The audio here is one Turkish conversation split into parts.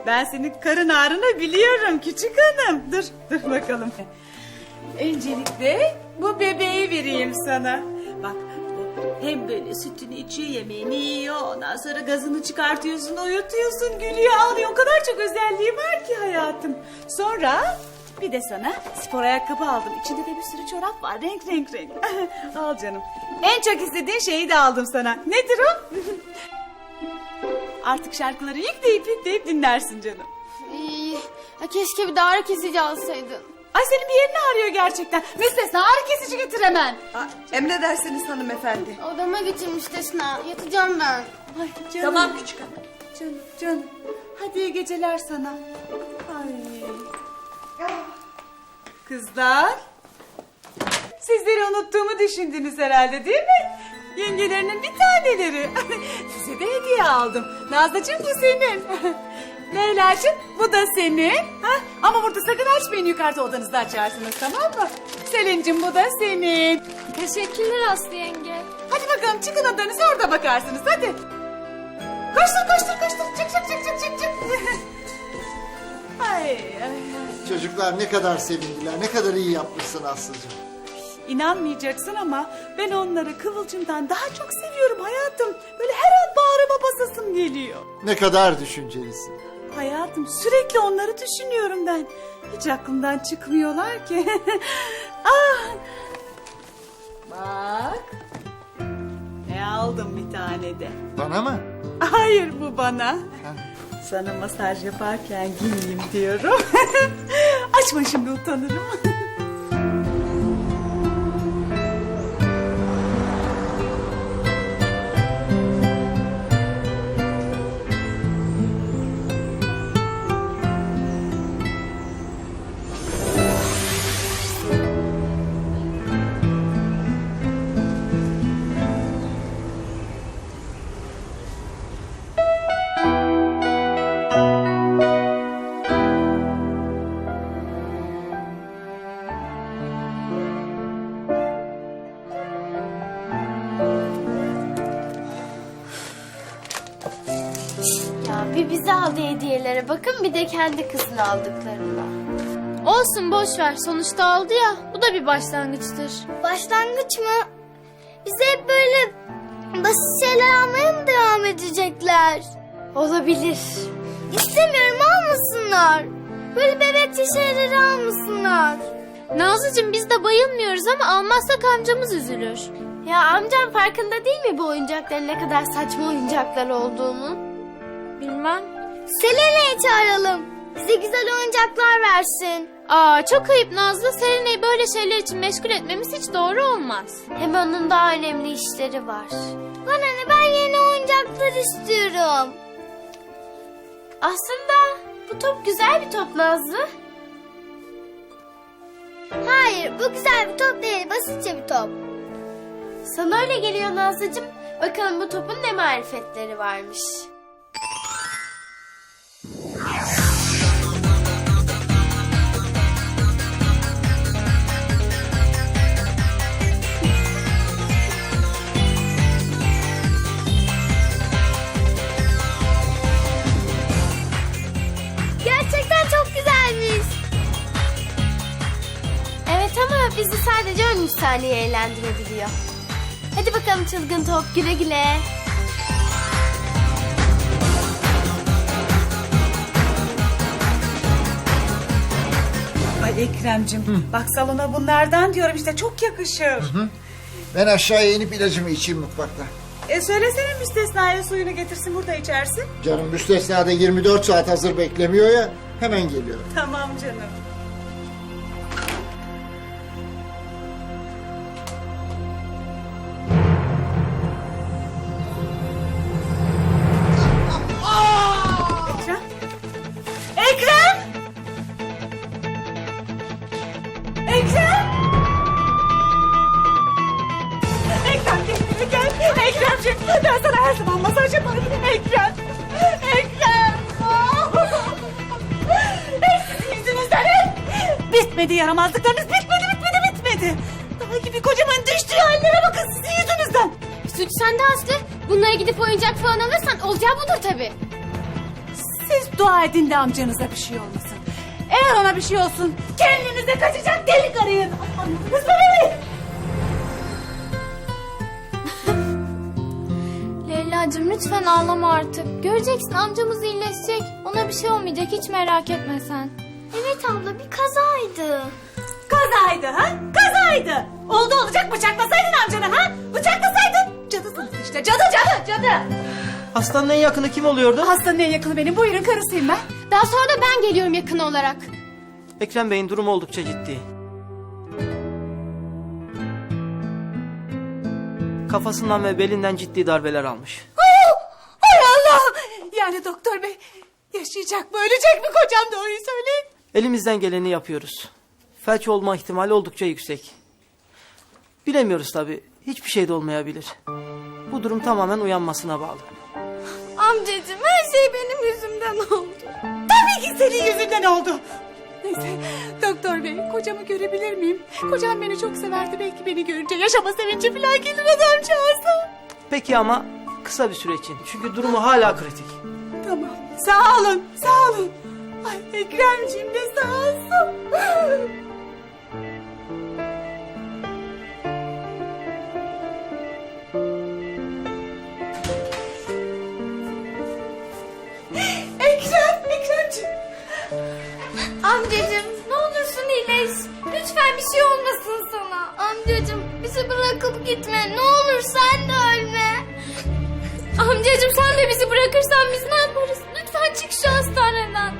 Ben senin karın ağrını biliyorum küçük hanım. Dur bakalım. Öncelikle bu bebeği vereyim sana. Bak hem böyle sütünü içiyor, yemeğini yiyor. Ondan sonra gazını çıkartıyorsun, uyutuyorsun, gülüyor, ağlıyor. O kadar çok özelliği var ki hayatım. Sonra bir de sana spor ayakkabı aldım. İçinde de bir sürü çorap var, renk. Al canım. En çok istediğin şeyi de aldım sana. Nedir o? Artık şarkıları yükleyip dinlersin canım. Keşke bir de ağrı kesici alsaydın. Ay senin bir yerini ağrıyor gerçekten. Müstesna ağrı kesici getir hemen. Emredersiniz hanımefendi. Odama götürmüş Desna. Yatacağım ben. Ay canım. Tamam küçük hanım. Canım. Hadi iyi geceler sana. Ay. Kızlar. Sizleri unuttuğumu düşündünüz herhalde değil mi? Yengelerinin bir taneleri. Size de hediye aldım. Nazlıcığım bu senin. Leyla'cığım bu da senin. Ha? Ama burada sakın açmayın, yukarıda odanızda açarsınız, tamam mı? Selin'cim bu da senin. Teşekkürler Aslı yenge. Hadi bakalım çıkın odanıza, orada bakarsınız hadi. Koştur. Çık. Ay. Çocuklar ne kadar sevindiler, ne kadar iyi yapmışsın Aslı'cığım. İnanmayacaksın ama ben onları Kıvılcım'dan daha çok seviyorum hayatım. Böyle her an bağrıma basasım geliyor. Ne kadar düşüncelisin. Hayatım sürekli onları düşünüyorum ben. Hiç aklımdan çıkmıyorlar ki. Bak. Ne aldım bir tane de. Bana mı? Hayır bu bana. Sana masaj yaparken giyeyim diyorum. Açma şimdi, utanırım. Ya bir bize aldığı hediyelere bakın, bir de kendi kızına aldıklarına. Olsun boş ver. Sonuçta aldı ya. Bu da bir başlangıçtır. Başlangıç mı? Bize hep böyle basit şeyler almaya mı devam edecekler? Olabilir. İstemiyorum, almasınlar. Böyle bebekçe şeyleri almasınlar. Nazlıcığım biz de bayılmıyoruz ama almazsak amcamız üzülür. Ya amcam farkında değil mi bu oyuncakların ne kadar saçma oyuncaklar olduğunu? Bilmem. Selena'yı çağıralım. Bize güzel oyuncaklar versin. Aa çok ayıp Nazlı. Serenay'ı böyle şeyler için meşgul etmemiz hiç doğru olmaz. Hem onun daha önemli işleri var. Bana ne, ben yeni oyuncaklar istiyorum. Aslında bu top güzel bir top Nazlı. Hayır, bu güzel bir top değil, basitçe bir top. Sana öyle geliyor Nazlıcığım. Bakalım bu topun ne marifetleri varmış. Gerçekten çok güzelmiş. Evet ama bizi sadece 13 saniye eğlendirebiliyor. Hadi bakalım çılgın top, güle güle. Ay Ekrem'cim bak salona bunlardan diyorum işte, çok yakışır. Ben aşağıya inip ilacımı içeyim mutfakta. Söylesene Müstesna'ya suyunu getirsin, burada içersin. Canım müstesnada 24 saat hazır beklemiyor ya, hemen geliyorum. Tamam canım. Ekrem! Ekrem gel. Ekremciğim ben sana her zaman masaj yaparım. Ekrem. Sizin yüzünüzden bitmedi yaramazlıklarınız, bitmedi. Daha gibi kocaman düştüğü hallere bakın sizin yüzünüzden. Suç sende Aslı. Bunlara gidip oyuncak falan alırsan olacağı budur tabii. Siz Dua edin de amcanıza bir şey olmasın. Eğer ona bir şey olsun kendinize kaçacak delik arayın. Anladınız mı beni? Leyla'cığım lütfen ağlama artık. Göreceksin amcamız iyileşecek. Ona bir şey olmayacak, hiç merak etme sen. Evet abla, bir kazaydı. Kazaydı ha? Kazaydı. Oldu olacak bıçaklasaydın amcanı ha? Bıçaklasaydın. Cadısınız işte, cadı. Hastanın en yakını kim oluyordu? Hastanın en yakını benim, buyurun karısıyım ben. Daha sonra da ben geliyorum yakın olarak. Ekrem Bey'in durumu oldukça ciddi. Kafasından ve belinden ciddi darbeler almış. Hay Allah! Yani doktor bey yaşayacak mı ölecek mi kocam, doğruyu söyleyin. Elimizden geleni yapıyoruz. Felç olma ihtimali oldukça yüksek. Bilemiyoruz tabii. Hiçbir şey de olmayabilir. Bu durum tamamen uyanmasına bağlı. Amcacığım, her şey benim yüzümden oldu. Tabii ki senin yüzünden oldu. Neyse doktor bey, kocamı görebilir miyim? Kocam beni çok severdi, belki beni görünce yaşama sevinci falan gelir adamcağıza. Peki ama kısa bir süre için. Çünkü durumu hala kritik. Tamam, sağ olun. Ay Ekremciğim de sağ olsun. Ekremciğim. Amcacığım, ne olursun iyileş. Lütfen bir şey olmasın sana. Amcacığım, bizi bırakıp gitme. Ne olur sen de ölme. Amcacığım sen de bizi bırakırsan biz ne yaparız? Lütfen çık şu hastaneden.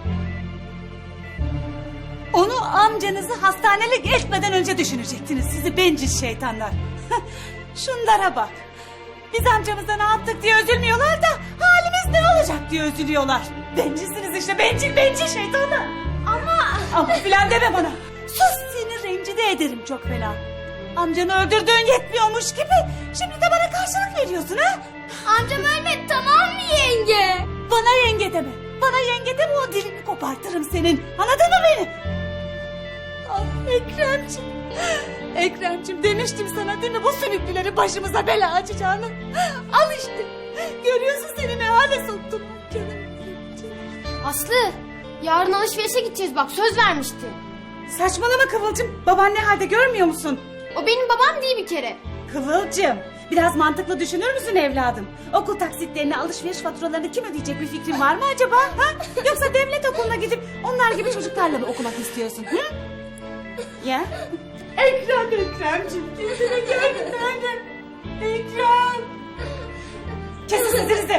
Onu amcanızı hastanelik etmeden önce düşünecektiniz sizi bencil şeytanlar. Şunlara bak. Biz amcamıza ne yaptık diye üzülmüyorlar da halimiz ne olacak diye üzülüyorlar. Bencilsiniz işte, bencil şeytanlar. Ama filan deme bana. Sus, seni rencide ederim çok fena. Amcanı öldürdüğün yetmiyormuş gibi şimdi de bana karşılık veriyorsun ha? Amcam ölmedi, tamam mı yenge? Bana yenge deme. Bana yenge deme, o dilini kopartırım senin. Anladın mı beni? Ah Ekremciğim demiştim sana değil mi, bu sümüklüleri başımıza bela açacağını. Al işte. Görüyorsun seni ne hale soktum. Canım. Aslı, yarın alışverişe gideceğiz bak, söz vermişti. Saçmalama Kıvılcım. Baban ne halde görmüyor musun? O benim babam değil bir kere. Kıvılcım, biraz mantıklı düşünür müsün evladım? Okul taksitlerini, alışveriş faturalarını kim ödeyecek, bir fikrin var mı acaba? Ha? Yoksa devlet okuluna gidip onlar gibi çocuklarla mı okumak istiyorsun? Hı? Ya? Ekremciğim, kendine gel bir tanem. Ekrem. Kesin sesinizi.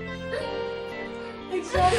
Ekrem.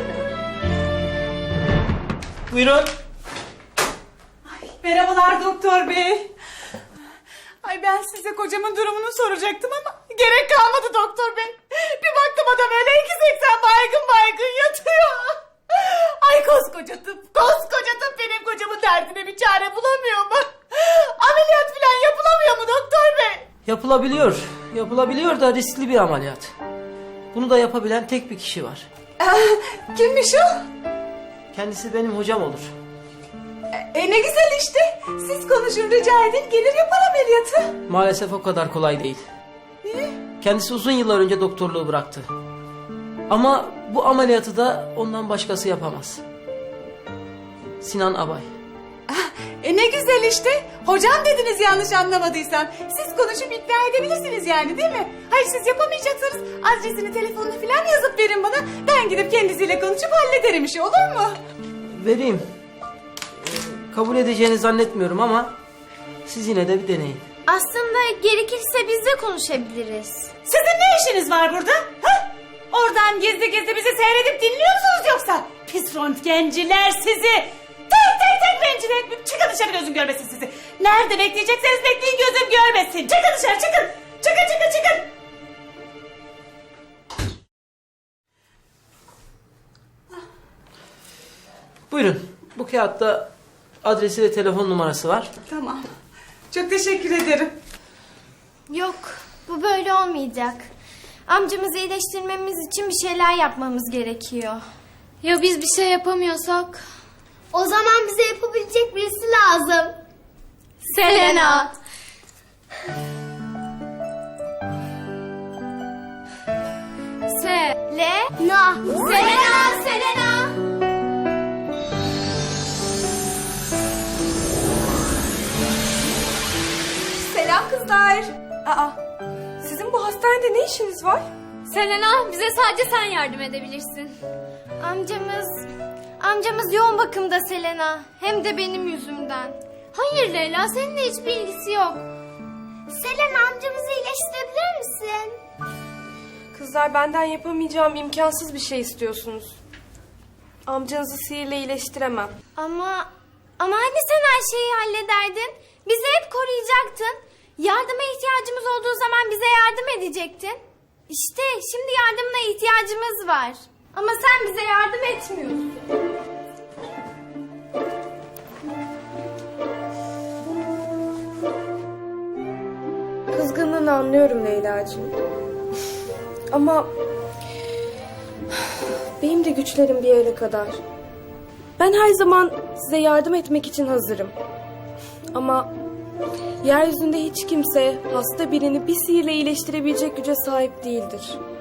Buyurun. Merhabalar doktor bey. Ay ben size kocamın durumunu soracaktım ama gerek kalmadı doktor bey. Bir baktım adam öyle 2,80 baygın yatıyor. Ay koskoca tıp benim kocamın derdine bir çare bulamıyor mu? Ameliyat falan yapılamıyor mu doktor bey? Yapılabiliyor da riskli bir ameliyat. Bunu da yapabilen tek bir kişi var. Kimmiş o? Kendisi benim hocam olur. Ne güzel işte. Siz konuşun, rica edin, gelir yapar ameliyatı. Maalesef o kadar kolay değil. Niye? Kendisi uzun yıllar önce doktorluğu bıraktı. Ama bu ameliyatı da ondan başkası yapamaz. Sinan Abay. Ne güzel işte. Hocam dediniz yanlış anlamadıysam. Siz konuşup ikna edebilirsiniz yani değil mi? Hayır siz yapamayacaksanız adresini, telefonunu falan yazıp verin bana. Ben gidip kendisiyle konuşup hallederim işi, olur mu? Vereyim. Kabul edeceğini zannetmiyorum ama siz yine de bir deneyin. Aslında gerekirse biz de konuşabiliriz. Sizin ne işiniz var burada? Ha? Oradan gizli bizi seyredip dinliyor musunuz yoksa? Pis röntgenciler sizi. Tek rencide etmeyeyim. Çıkın dışarı, gözüm görmesin sizi. Nerede bekleyecekseniz bekleyin, gözüm görmesin. Çıkın dışarı, çıkın. Çıkın. Buyurun. Bu kağıtta adresi ve telefon numarası var. Tamam. Çok teşekkür ederim. Yok, bu böyle olmayacak. Amcamızı iyileştirmemiz için bir şeyler yapmamız gerekiyor. Ya biz bir şey yapamıyorsak? O zaman bize yapabilecek birisi lazım. Selena. Se. Le. Na. Selena. Kızlar. Aa, sizin bu hastanede ne işiniz var? Selena, bize sadece sen yardım edebilirsin. Amcamız yoğun bakımda Selena. Hem de benim yüzümden. Hayır Leyla, seninle hiçbir ilgisi yok. Selena, amcamızı iyileştirebilir misin? Kızlar, benden yapamayacağım imkansız bir şey istiyorsunuz. Amcanızı sihirle iyileştiremem. Ama hani sen her şeyi hallederdin? Bizi hep koruyacaktın. Yardıma ihtiyacımız olduğu zaman bize yardım edecektin. İşte şimdi yardımına ihtiyacımız var. Ama sen bize yardım etmiyorsun. Kızgınlığını anlıyorum Leyla'cığım. Ama benim de güçlerim bir yere kadar. Ben her zaman size yardım etmek için hazırım. Ama yeryüzünde hiç kimse hasta birini bir sihirle iyileştirebilecek güce sahip değildir.